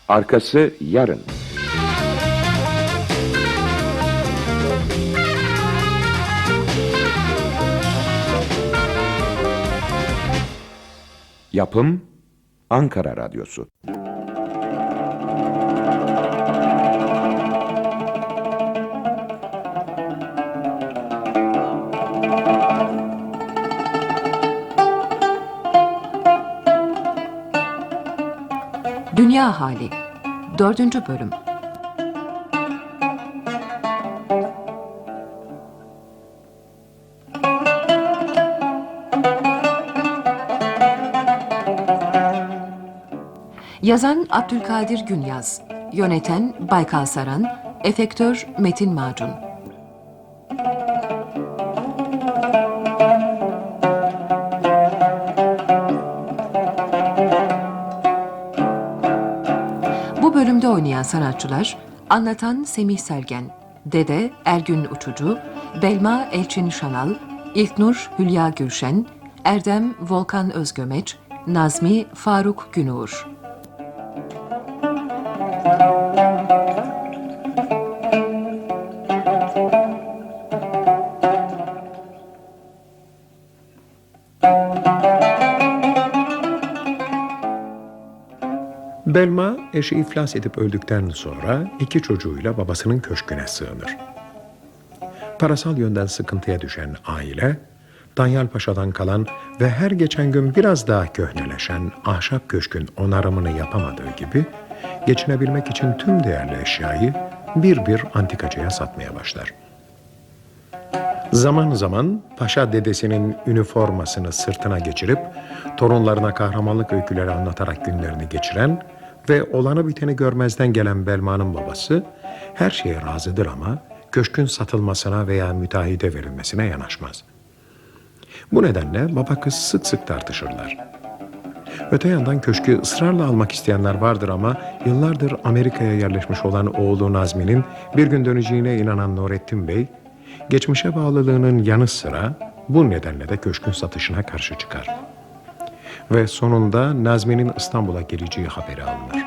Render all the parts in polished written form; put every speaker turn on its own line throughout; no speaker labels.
Arkası yarın. Yapım Ankara Radyosu.
Dünya Hali 4. Bölüm. Yazan Abdülkadir Günyaz, yöneten Baykal Saran, efektör Metin Macun. Bu bölümde oynayan sanatçılar: anlatan Semih Sergen, Dede Ergün Uçucu, Belma Elçin Şanal, İlknur Hülya Gülşen, Erdem Volkan Özgömeç, Nazmi Faruk Günur.
Belma, eşi iflas edip öldükten sonra 2 çocuğuyla babasının köşküne sığınır. Parasal yönden sıkıntıya düşen aile, Danyal Paşa'dan kalan ve her geçen gün biraz daha köhneleşen ahşap köşkün onarımını yapamadığı gibi, geçinebilmek için tüm değerli eşyayı bir bir antikacıya satmaya başlar. Zaman zaman paşa dedesinin üniformasını sırtına geçirip, torunlarına kahramanlık öyküleri anlatarak günlerini geçiren ve olanı biteni görmezden gelen Belma'nın babası, her şeye razıdır ama köşkün satılmasına veya müteahhide verilmesine yanaşmaz. Bu nedenle baba kız sık sık tartışırlar. Öte yandan köşkü ısrarla almak isteyenler vardır ama yıllardır Amerika'ya yerleşmiş olan oğlu Nazmi'nin bir gün döneceğine inanan Nurettin Bey, geçmişe bağlılığının yanı sıra bu nedenle de köşkün satışına karşı çıkar. Ve sonunda Nazmi'nin İstanbul'a geleceği haberi alınır.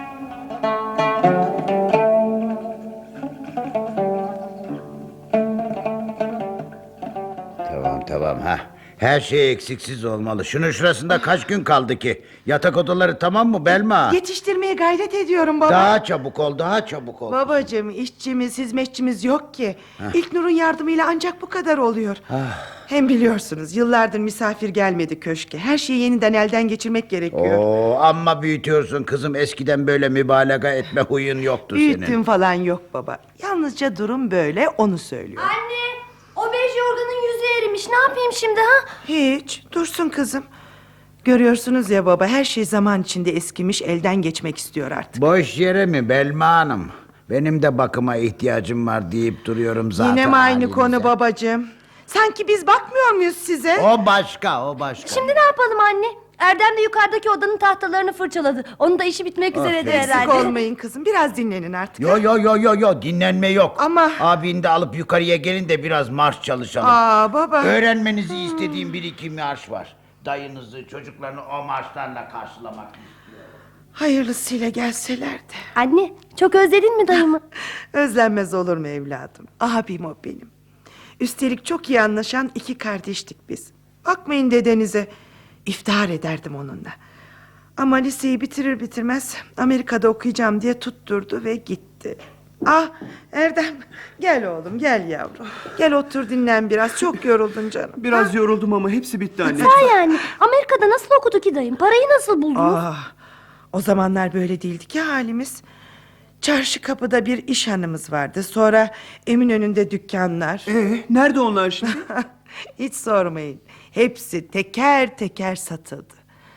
Tamam ha. Her şey eksiksiz olmalı. Şunun şurasında kaç gün kaldı ki? Yatak odaları tamam mı Belma?
Yetiştirmeye gayret ediyorum baba.
Daha çabuk ol, daha çabuk ol.
Babacığım, işçimiz, hizmetçimiz yok ki. İlknur'un yardımıyla ancak bu kadar oluyor. Hem biliyorsunuz yıllardır misafir gelmedi köşke. Her şeyi yeniden elden geçirmek gerekiyor.
Oo, amma büyütüyorsun kızım. Eskiden böyle mübalağa etme huyun yoktu
Büyüttüm
senin.
falan yok baba. Yalnızca durum böyle, onu söylüyor.
Anne, o bej yorganın yüzü erimiş. Ne yapayım şimdi ha?
Hiç, dursun kızım. Görüyorsunuz ya baba, her şey zaman içinde eskimiş, elden geçmek istiyor artık.
Boş yere mi Belma Hanım? Benim de bakıma ihtiyacım var deyip duruyorum zaten.
Yine mi aynı
halinize.
konu babacığım? Sanki biz bakmıyor muyuz size?
O başka, o başka.
Şimdi ne yapalım anne? Erdem de yukarıdaki odanın tahtalarını fırçaladı. Onun da işi bitmek üzeredir
Eksik
herhalde.
olmayın kızım, biraz dinlenin artık.
Yo, dinlenme yok.
Ama-
Abini de alıp yukarıya gelin de biraz marş çalışalım.
Aa baba.
Öğrenmenizi istediğim 1-2 marş var. Dayınızı, çocuklarını o marşlarla karşılamak istiyorum.
Hayırlısıyla gelselerdi.
Anne, çok özledin mi dayımı?
Özlenmez olur mu evladım? Abim o benim. Üstelik çok iyi anlaşan 2 kardeştik biz. Bakmayın dedenize. İftihar ederdim onunla. Ama liseyi bitirir bitirmez Amerika'da okuyacağım diye tutturdu ve gitti. Ah Erdem, gel oğlum, gel yavrum. Gel otur dinlen biraz, çok yoruldun canım.
Biraz yoruldum ama hepsi bitti anne.
Ha yani, Amerika'da nasıl okudu ki dayım? Parayı nasıl buldunuz?
Ah, o zamanlar böyle değildi ki halimiz. Çarşı kapıda bir iş hanımız vardı. Sonra Eminönü'nde dükkanlar.
Nerede onlar şimdi?
Hiç sormayın. Hepsi teker teker satıldı.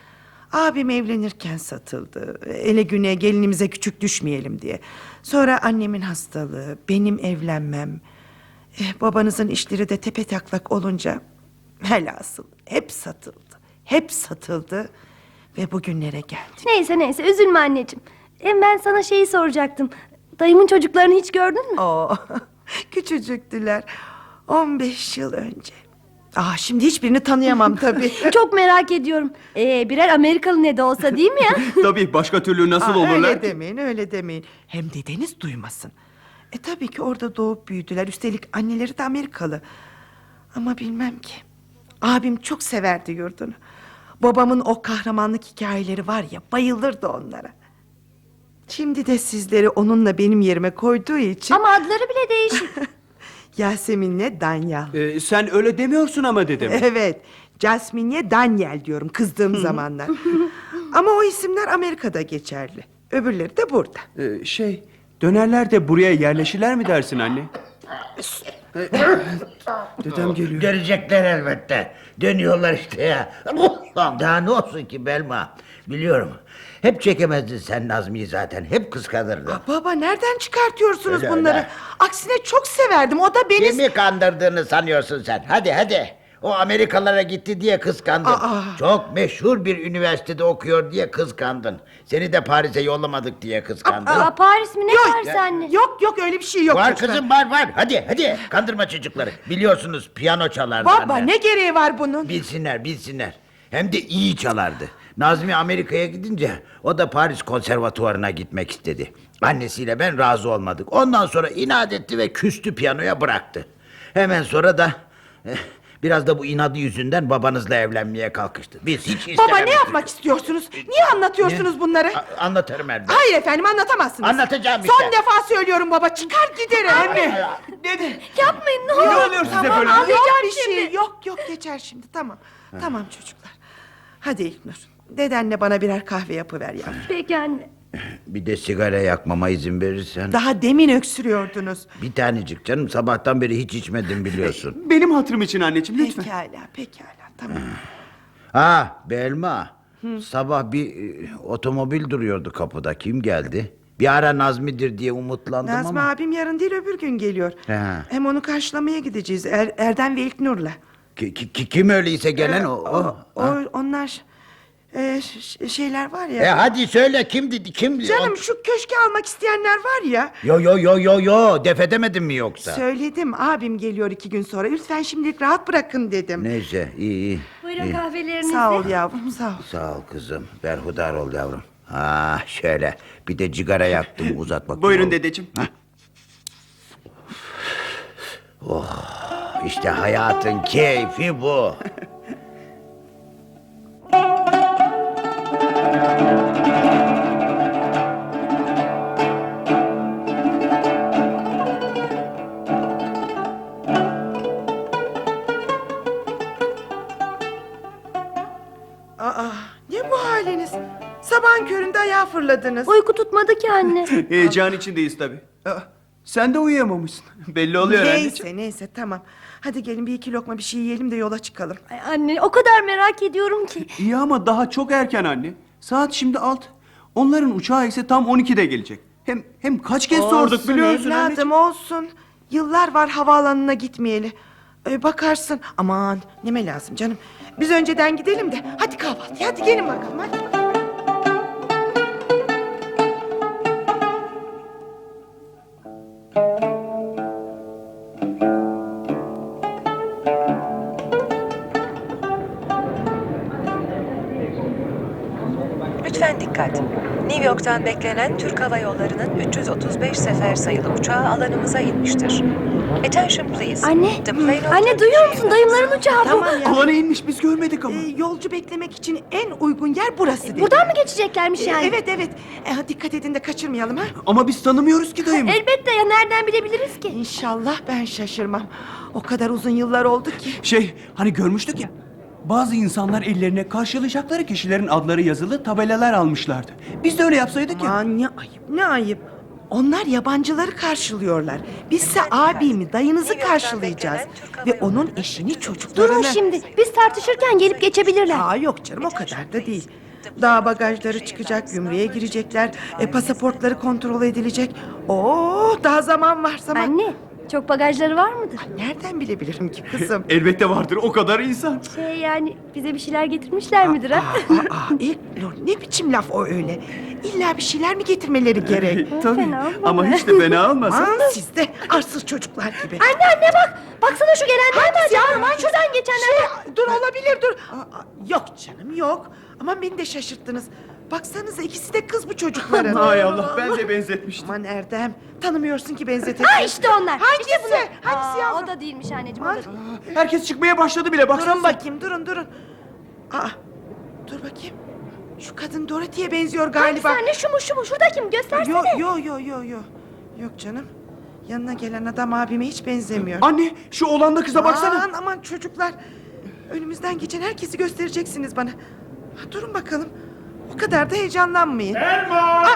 Abim evlenirken satıldı. Ele güne gelinimize küçük düşmeyelim diye. Sonra annemin hastalığı, benim evlenmem. Babanızın işleri de tepetaklak olunca velhasıl hep satıldı. Hep satıldı ve bugünlere geldik.
Neyse, üzülme anneciğim. Ben sana şeyi soracaktım. Dayımın çocuklarını hiç gördün mü?
Oo, küçücüktüler. 15 yıl önce. Şimdi hiçbirini tanıyamam tabii.
Çok merak ediyorum. Birer Amerikalı ne de olsa değil mi ya?
Tabii başka türlü nasıl olurlar
Öyle
ki?
demeyin, öyle demeyin. Hem dedeniz duymasın. Tabii ki orada doğup büyüdüler. Üstelik anneleri de Amerikalı. Ama bilmem ki. Abim çok severdi yurdunu. Babamın o kahramanlık hikayeleri var ya, bayılırdı onlara. Şimdi de sizleri onunla benim yerime koyduğu için...
Ama adları bile değişik.
Yasemin'le Danyal.
Sen öyle demiyorsun ama dedim.
Evet, Jasmine'le Daniel diyorum kızdığım zamanlar. Ama o isimler Amerika'da geçerli. Öbürleri de burada.
Dönerler de buraya yerleşirler mi dersin anne? Dedem geliyor.
Görecekler elbette. Dönüyorlar işte ya. Daha ne olsun ki Belma? Biliyorum. Hep çekemezdin sen Nazmi'yi zaten. Hep kıskanırdın.
Baba, nereden çıkartıyorsunuz
Öyle,
bunları?
öyle.
Aksine çok severdim. O da beni...
Kimi kandırdığını sanıyorsun sen? Hadi. O Amerikalara gitti diye kıskandın. Çok meşhur bir üniversitede okuyor diye kıskandın. Seni de Paris'e yollamadık diye kıskandın.
Paris mi ne varsa anne?
Yok öyle bir şey yok.
Var
çocuklar.
kızım var. Hadi kandırma çocukları. Biliyorsunuz piyano çalardı
Baba,
anne.
ne gereği var bunun?
Bilsinler. Hem de iyi çalardı. Nazmi Amerika'ya gidince o da Paris konservatuvarına gitmek istedi. Annesiyle ben razı olmadık. Ondan sonra inat etti ve küstü, piyanoya bıraktı. Hemen sonra da biraz da bu inadı yüzünden babanızla evlenmeye kalkıştı. Biz hiç istememiştik.
Baba, ne yapmak istiyorsunuz? Niye anlatıyorsunuz bunları?
Anlatırım elbette.
Hayır efendim, anlatamazsınız.
Anlatacağım işte.
Son defa söylüyorum baba, çıkar giderim.
Anne! Dede!
Yapmayın ne
Ne
olur.
oluyor size
Tamam,
böyle?
yok
Ağlayacağım
bir
şimdi.
şey. Yok geçer şimdi, tamam. Tamam çocuklar. Hadi İlknur, dedenle bana birer kahve yapıver ya.
Peki anne.
Bir de sigara yakmama izin verirsen.
Daha demin öksürüyordunuz.
Bir tanecik canım, sabahtan beri hiç içmedim biliyorsun.
Benim hatırım için anneciğim lütfen.
Pekala, tamam.
Belma. Sabah bir otomobil duruyordu kapıda. Kim geldi? Bir ara Nazmi'dir diye umutlandım
Nazmi
ama.
abim yarın değil öbür gün geliyor.
He.
Hem onu karşılamaya gideceğiz Erdem ve İlknur'la.
Kim öyleyse gelen o?
Onlar şeyler var ya.
Hadi söyle kim?
Canım, şu köşke almak isteyenler var ya.
Yo def edemedin mi yoksa?
Söyledim, abim geliyor 2 gün sonra. Lütfen şimdilik rahat bırakın dedim.
Neyse iyi.
Buyurun kahvelerinizi.
Sağ ol yavrum, sağ ol.
Sağ ol kızım. Berhudar ol yavrum. Şöyle bir de cigara yaktım, uzat bakayım.
Buyurun
oğlum.
dedeciğim.
İşte hayatın keyfi bu.
Ne bu haliniz? Sabahın köründe ayağa fırladınız.
Uyku tutmadı ki anne.
Heyecan içindeyiz tabii. Sen de uyuyamamışsın. Belli oluyor anneciğim.
Neyse tamam. Hadi gelin, 1-2 lokma bir şey yiyelim de yola çıkalım.
Ay anne o kadar merak ediyorum ki.
İyi ama daha çok erken anne. Saat şimdi 6. Onların uçağı ise tam 12'de gelecek. Hem kaç kez sorduk biliyor musun
evladım,
anneciğim?
olsun. Yıllar var havaalanına gitmeyeli. Bakarsın. Aman neme lazım canım. Biz önceden gidelim de. Hadi kahvaltıya, hadi gelin bakalım hadi.
Lütfen dikkat. New York'tan beklenen Türk Hava Yolları'nın 335 sefer sayılı uçağı alanımıza inmiştir. Attention please.
Anne,
The plane of
anne
Turkish
duyuyor musun?
Airlines-
Dayımların uçağı bu.
Tamam ya.
Alana inmiş biz görmedik ama.
Yolcu beklemek için en uygun yer burası dedi.
Buradan mı geçeceklermiş yani?
Evet. Dikkat edin de kaçırmayalım ha.
Ama biz tanımıyoruz ki dayımı.
Elbette ya, nereden bilebiliriz ki?
İnşallah ben şaşırmam. O kadar uzun yıllar oldu ki.
Hani görmüştük ya. Bazı insanlar ellerine karşılayacakları kişilerin adları yazılı tabelalar almışlardı. Biz de öyle yapsaydık ya.
Aman ne ayıp. Onlar yabancıları karşılıyorlar. Bizse abimi, dayınızı karşılayacağız. Ve onun eşini, çocuklarını.
Durun şimdi. Biz tartışırken gelip geçebilirler.
Yok canım, o kadar da değil. Daha bagajları çıkacak, gümrüğe girecekler, pasaportları kontrol edilecek. Daha zaman var zaman.
Anne, Çok bagajları var mıdır?
Nereden bilebilirim ki kızım?
Elbette vardır, o kadar insan.
Yani bize bir şeyler getirmişler midir ha?
İlknur, ne biçim laf o öyle? İlla bir şeyler mi getirmeleri gerek?
Tabii,
Fena olmadı.
ama hiç de fena olmasın.
Aman siz de arsız çocuklar gibi.
Anne bak. Baksana şu gelenler mi
Hangisi
acaba?
yavrum?
Şuradan geçenler.
Dur olabilir dur. Yok canım yok. Aman beni de şaşırttınız. Baksanıza ikisi de kız bu çocukların.
Hay Allah, ben de benzetmiştim.
Aman Erdem, tanımıyorsun ki benzetelim.
Ha işte onlar.
Hangisi?
İşte bunlar.
Hangisi yavrum?
O da değilmiş anneciğim. O da değil.
Herkes çıkmaya başladı bile, baksana.
Durun bakayım, durun. Dur bakayım. Şu kadın Dorothy'ye benziyor
Hangisi
galiba.
anne? Şu mu? Şurada kim? Göstersene.
Yok canım. Yanına gelen adam abime hiç benzemiyor.
Anne, şu oğlanla kıza baksana.
Aman çocuklar. Önümüzden geçen herkesi göstereceksiniz bana. Durun bakalım. O kadar da heyecanlanmayın.
Elma!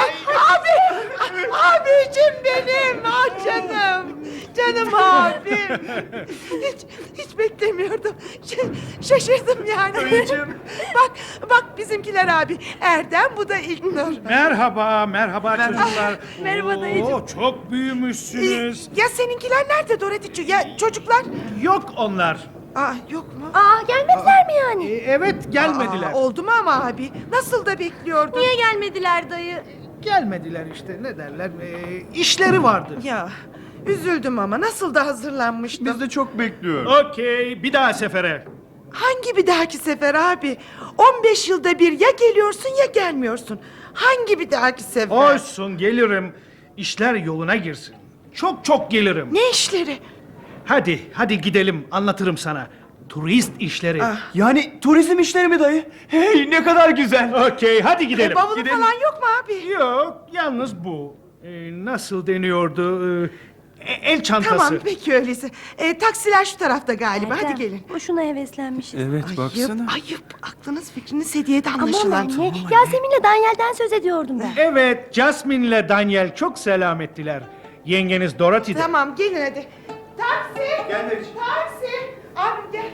Abicim benim. Canım. Canım abim. Hiç beklemiyordum. Şaşırdım yani. Bak bizimkiler abi. Erdem, bu da İlknur.
Merhaba çocuklar.
Merhaba dayıcığım.
Oo, çok büyümüşsünüz.
Ya seninkiler nerede Dorothy? Ya çocuklar?
Yok onlar.
Yok mu?
Gelmediler mi yani?
Evet gelmediler.
Oldu mu ama abi? Nasıl da bekliyordum.
Niye gelmediler dayı?
Gelmediler işte ne derler. İşleri vardı.
Ya üzüldüm ama nasıl da hazırlanmıştım.
Biz de çok bekliyoruz.
Okey bir daha sefere.
Hangi bir dahaki sefer abi? 15 yılda bir ya geliyorsun ya gelmiyorsun. Hangi bir dahaki sefer?
Olsun gelirim. İşler yoluna girsin. Çok gelirim.
Ne işleri?
Hadi gidelim anlatırım sana. Turist işleri.
Yani turizm işleri mi dayı? Hey, ne kadar güzel.
Okey hadi gidelim.
Bavulu
Gidelim.
falan yok mu abi?
Yok yalnız bu. Nasıl deniyordu? El çantası.
Tamam peki öyleyse. Taksiler şu tarafta galiba. Hadi gelin.
Boşuna heveslenmişiz.
Evet,
Ayıp. Aklınız fikriniz hediyede
Aman
anlaşılan.
anne. Yasemin'le Daniel'den söz ediyordum ben.
Evet, Jasmine ile Daniel çok selam ettiler. Yengeniz Dorothy de.
Tamam gelin hadi. Taksi.
Gel Meriç'im.
Taksi. Abi gel.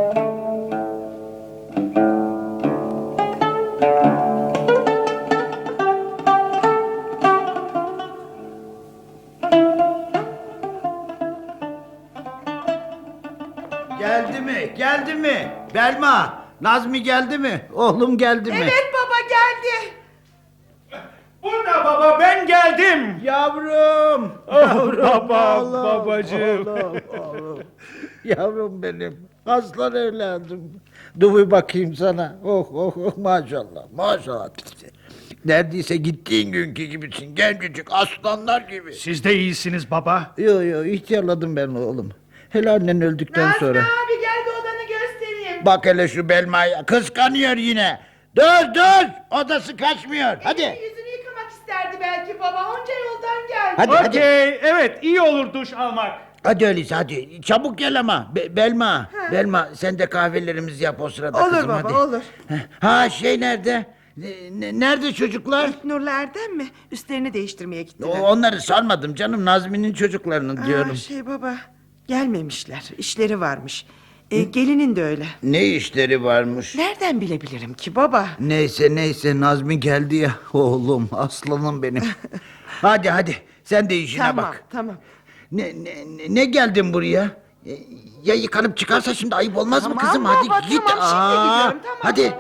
Geldi mi? Belma, Nazmi geldi mi? Oğlum geldi mi?
Evet baba geldi.
Burada baba ben geldim.
Yavrum.
Babacığım.
Yavrum benim. Aslan evladım. Dur bir bakayım sana. Oh maşallah. Neredeyse gittiğin günkü gibisin. Gencecik aslanlar gibi.
Siz de iyisiniz baba.
Yo ihtiyarladım ben oğlum. Hele annen öldükten sonra.
abi gel de odanı göstereyim.
Bak hele şu Belma'ya. Kıskanıyor yine. Dur. Odası kaçmıyor. Hadi.
Yüzünü yıkamak isterdi belki baba. Onca yoldan geldi.
Hadi.
Okey evet iyi olur duş almak.
Hadi öyleyse hadi. Çabuk gel ama. Belma sen de kahvelerimizi yap o sırada
Olur
kızım
baba,
hadi.
olur.
Ha şey nerede? Nerede çocuklar?
Nurla Erdem mi? Üstlerini değiştirmeye gittiler.
Onları sormadım canım. Nazmi'nin çocuklarını diyorum.
Baba gelmemişler. İşleri varmış. Gelinin de öyle.
Ne işleri varmış?
Nereden bilebilirim ki baba?
Neyse Nazmi geldi ya. Oğlum aslanım benim. hadi sen de işine bak.
Tamam.
Ne geldin buraya? Ya yıkanıp çıkarsa şimdi ayıp olmaz mı
Tamam
kızım?
baba,
Hadi git.
tamam, şimdi gidiyorum, tamam.
Hadi.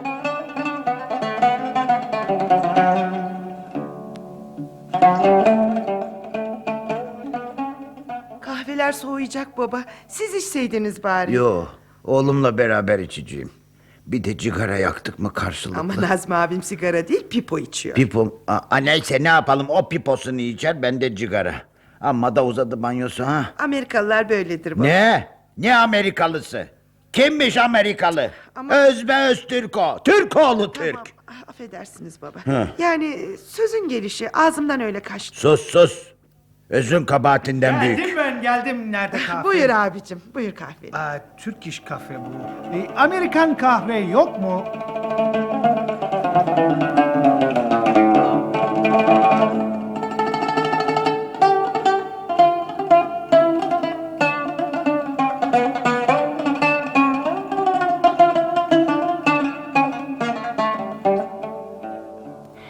Kahveler soğuyacak baba. Siz içseydiniz bari.
Yo, oğlumla beraber içeceğim. Bir de cigara yaktık mı karşılıklı.
Ama Nazmi abim sigara değil pipo içiyor.
Pipo, neyse ne yapalım o piposunu içer ben de cigara. Amma da uzadı banyosu ha.
Amerikalılar böyledir baba.
Ne Amerikalısı? Kimmiş Amerikalı?
Ama-
Özbe Türk o. Türk oğlu Türk.
Tamam, affedersiniz baba. Yani sözün gelişi ağzımdan öyle kaçtı.
Sus. Özün kabahatinden büyük.
Geldim nerede kahve?
Buyur abicim, buyur kahveni.
Türk iş kahve bu. Amerikan kahve yok mu?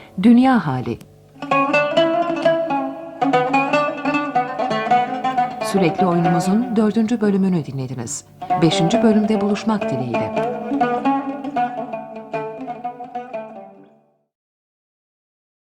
Dünya hali. Sürekli oyunumuzun 4. bölümünü dinlediniz. 5. bölümde buluşmak dileğiyle.